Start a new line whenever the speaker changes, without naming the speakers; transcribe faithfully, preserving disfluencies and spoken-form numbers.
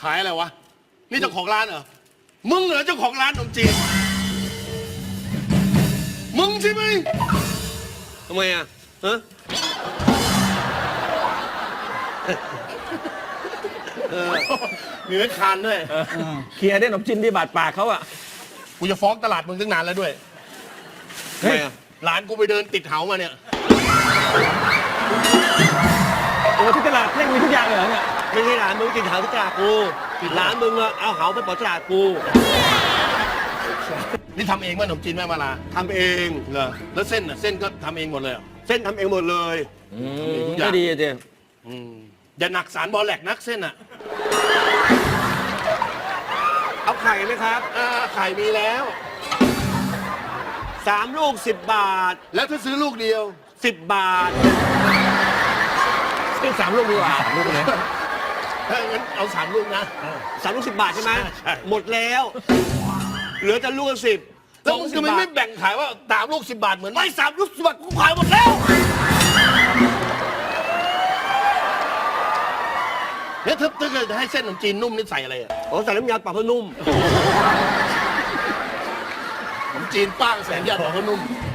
ขายอะไรวะนี่เจ้าของร้านเหรอมึงเหรอเจ้าของร้านขนมจีนมึงใช่ไหม
ทำไมอ่ะฮะ
มีเม็ดคานด้วย
เคลียร์ได้ขนมจีนที่บาดปากเขาอะ
กูจะฟ้องตลาดมึงตั้งนานแล้วด้วย
ทำไมอ่ะ
ร้านกูไปเดินติดเหามาเนี่ย
โอ้ที่ตลาดแม่งมีทุกอย่างเลยเหรอเนี่ย
ไม่ใช่ร้านมึงกินเหาที่ตลาดกูร้านมึงอะเอาเหาไปปล่อยตลาดกู
นี่ทำเองป่ะขนมจีนแม่มาลา
ทำเอง
เหรอแล้วเส้นอ่ะเส้นก็ทำเองหมดเลยเหรอ
เส้นทำเองหมดเลย
ก็ดีเจ๊
อย่าหนักสารบอแหลกนักเส้นอ่ะ
เอาไข่ไหมครับ
อ่าไข่มีแล้ว
สามลูกสิบบาท
แล้วถ้าซื้อลูกเดียว
สิบบาท
ซื้อสามลูกดีกว่าสามลูกเลย
ถ้างั้นเอาสามลูกนะ
สามลูกสิบบาทใช่ไหม
ใช่
หมดแล้วเหลือแต่ลูกละสิบ
แล้วมึงทำไมไม่แบ่งขายว่าสามลูกสิบบาทเหมือน
ไม่สามลูกสิบบาทกูขายหมดแล้ว
เนี่ยถ้าถ้าเกิดให้เส้นขนมจีนนุ่มนี่ใส่อะไรอ่ะ
อ๋อใส่น้ำยาปรับผ้านุ่ม
ขนมจีนป้างแสนยาดอกก็นุ่ม